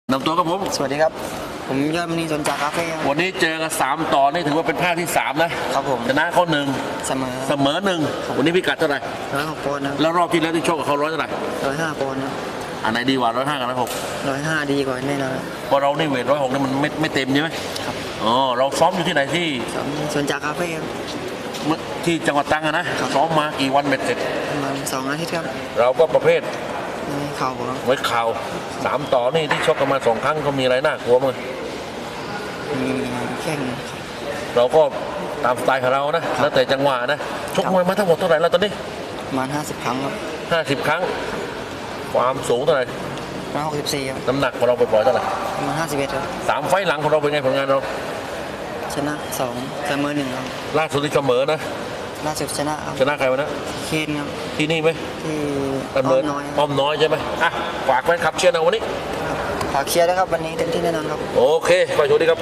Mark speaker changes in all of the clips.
Speaker 1: นำตัวครับผม
Speaker 2: สวัสดีครับผมยอดมณีสนจากคาเฟ่ครับ
Speaker 1: วันนี้เจอกัน3ต่อนี่ถือว่าเป็นภาคที่3นะครับ
Speaker 2: ผม
Speaker 1: ชนะเขา1
Speaker 2: เสมอ
Speaker 1: 1วันนี้พิกัดเท่าไหร่
Speaker 2: 106 ปอนด์ครับ
Speaker 1: แล้วรอบที่แล้วที่ชกกับเขา100เท่าไหร่
Speaker 2: 105 ปอนด์ครับ
Speaker 1: อันไหนดีกว่า105กับ
Speaker 2: 105ดีกว่าแน่นอน
Speaker 1: เพราะเรานี่เวท106นี่มันไม่เต็มใช่ไหม
Speaker 2: ครับ
Speaker 1: อ๋อเราซ้อมอยู่ที่ไหนที่
Speaker 2: สนจากคาเฟ่ครับ
Speaker 1: ที่จังหวัดตรังนะซ้อมมากี่วันเบ็ดเสร็จ
Speaker 2: ประมาณ2 อาทิตย์ครับ
Speaker 1: เราก็ประเภท
Speaker 2: เข่าครับ
Speaker 1: ไว้เข่า3ต่อนี่ที่ชกกันมา2 ครั้งเขามีอะไรน่ากลัวมั้ง
Speaker 2: มีแข้ง
Speaker 1: เราก็ตามสไตล์ของเรานะแล้วแต่จังหวะนะชกมวยมาทั้งหมดเท่าไหร่แล้วตอนนี้
Speaker 2: ประมาณ50 ครั้งครับ
Speaker 1: 50 ครั้งความสูงเท่าไหร่
Speaker 2: 164ครับ
Speaker 1: น้ำหนักของเราปล่อยๆเท่าไหร่
Speaker 2: ประมาณ51ครับ
Speaker 1: 3 ไฟล์หลังของเราเป็นไงผลงานเรา
Speaker 2: ชนะ2เสมอ1ครับ
Speaker 1: ล่าสุดที่เสมอนะ
Speaker 2: ล่าสุดชนะครับ
Speaker 1: ชนะใครวะนะ
Speaker 2: เคนครับ
Speaker 1: ที่นี่ไหม
Speaker 2: ที่
Speaker 1: อ้อมน้อยใช่ไหมอ่ะฝากแฟนคลับเชียร์นะวันนี้
Speaker 2: ฝากเชียร์นะครับวันนี้เต็มที่แน่นอนครับ
Speaker 1: โอเคขอโชคดีครับ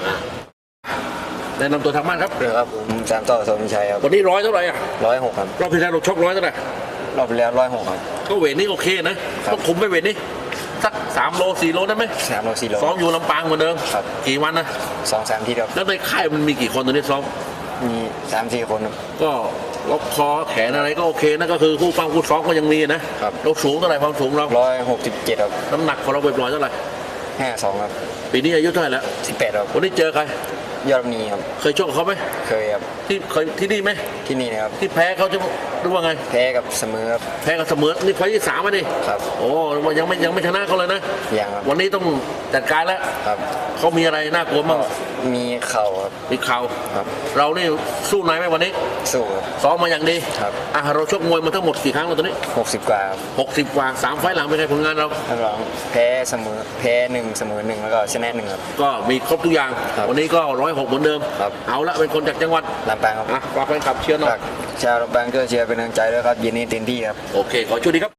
Speaker 1: แนะนำตัวทางบ้านครับ
Speaker 2: ครับผม3 ต่อสมชัยครับ
Speaker 1: วันนี้100เท่าไหร่อ่ะ
Speaker 2: 106ครับ
Speaker 1: รอบที่แล้วเราชก100เท่าไหร่
Speaker 2: รอบที่แล้ว106ครับ
Speaker 1: ก็เวทนี้โอเคนะต้องคุมไปเวทนี้สัก3 โล 4 โลได้ไหม
Speaker 2: 3 โล 4 โล
Speaker 1: ซ้อมอยู่ลำปางเหมือนเดิม
Speaker 2: ครับ
Speaker 1: กี่วันนะ
Speaker 2: 2-3 ทีครับ
Speaker 1: แล้วในค่ายมันมีกี่คนตอนนี้ซ้อม
Speaker 2: มี3-4 คน
Speaker 1: ก็ล็อกคอแขนอะไรก็โอเคนะก็คือคู่ฟังคู่ซ้อมก็ยังมีนะครับเราสูงเท่าไหร่ความสูงเรา
Speaker 2: 167ครับ
Speaker 1: น้ำหนักของเราปล่อยๆเท่าไหร่
Speaker 2: 52ครับ
Speaker 1: ปีนี้อายุเท่าไหร่แล้ว
Speaker 2: 18ครับ
Speaker 1: วันนี้เจอใคร
Speaker 2: ยอดมณีครับ
Speaker 1: เคยชกกับเขาไหม
Speaker 2: เคยครับ
Speaker 1: เคยที่นี่ไหม
Speaker 2: ที่นี่นะครับ
Speaker 1: ที่แพ้เขาจะรู้ว่าไง
Speaker 2: แพ้กับเสมอครับ
Speaker 1: แพ้กับเสมอนี่ไฟล์ที่3มาดิ
Speaker 2: ครับ
Speaker 1: โอ้ยังไม่ชนะเขาเลยนะ
Speaker 2: ยังครับ
Speaker 1: วันนี้ต้องจัดการแล้ว
Speaker 2: ครับ
Speaker 1: เขามีอะไรน่ากลัวบ้าง
Speaker 2: มีเข่าครับ
Speaker 1: มีเข่า
Speaker 2: ครับ
Speaker 1: เรานี่สู้ไหนไหมวันนี้
Speaker 2: สู้ครับ
Speaker 1: ซ้อมมาอย่างดี
Speaker 2: ครับ
Speaker 1: เราชกมวยมาทั้งหมดกี่ครั้งแล้วตอนนี้
Speaker 2: 60 กว่า
Speaker 1: 60 กว่า3 ไฟล์หลังเป็นไงผลงานเรา
Speaker 2: แพ้เสมอแพ้1เสมอ1แล้วก็ชนะ1ครับ
Speaker 1: ก็มีครบทุกอย่างวันนี้ก็106เหมือนเดิมเอาละเป็นคนจากจังหวัด
Speaker 2: ลำปางครับ
Speaker 1: ฝากแฟนคลับเชียร์หน่อย
Speaker 2: ชาวลำปางก็เชียร์เป็นกำลังใจด้วยครับเย็นนี้เต็มที่ครับ
Speaker 1: โอเคขอช่วยดีครับ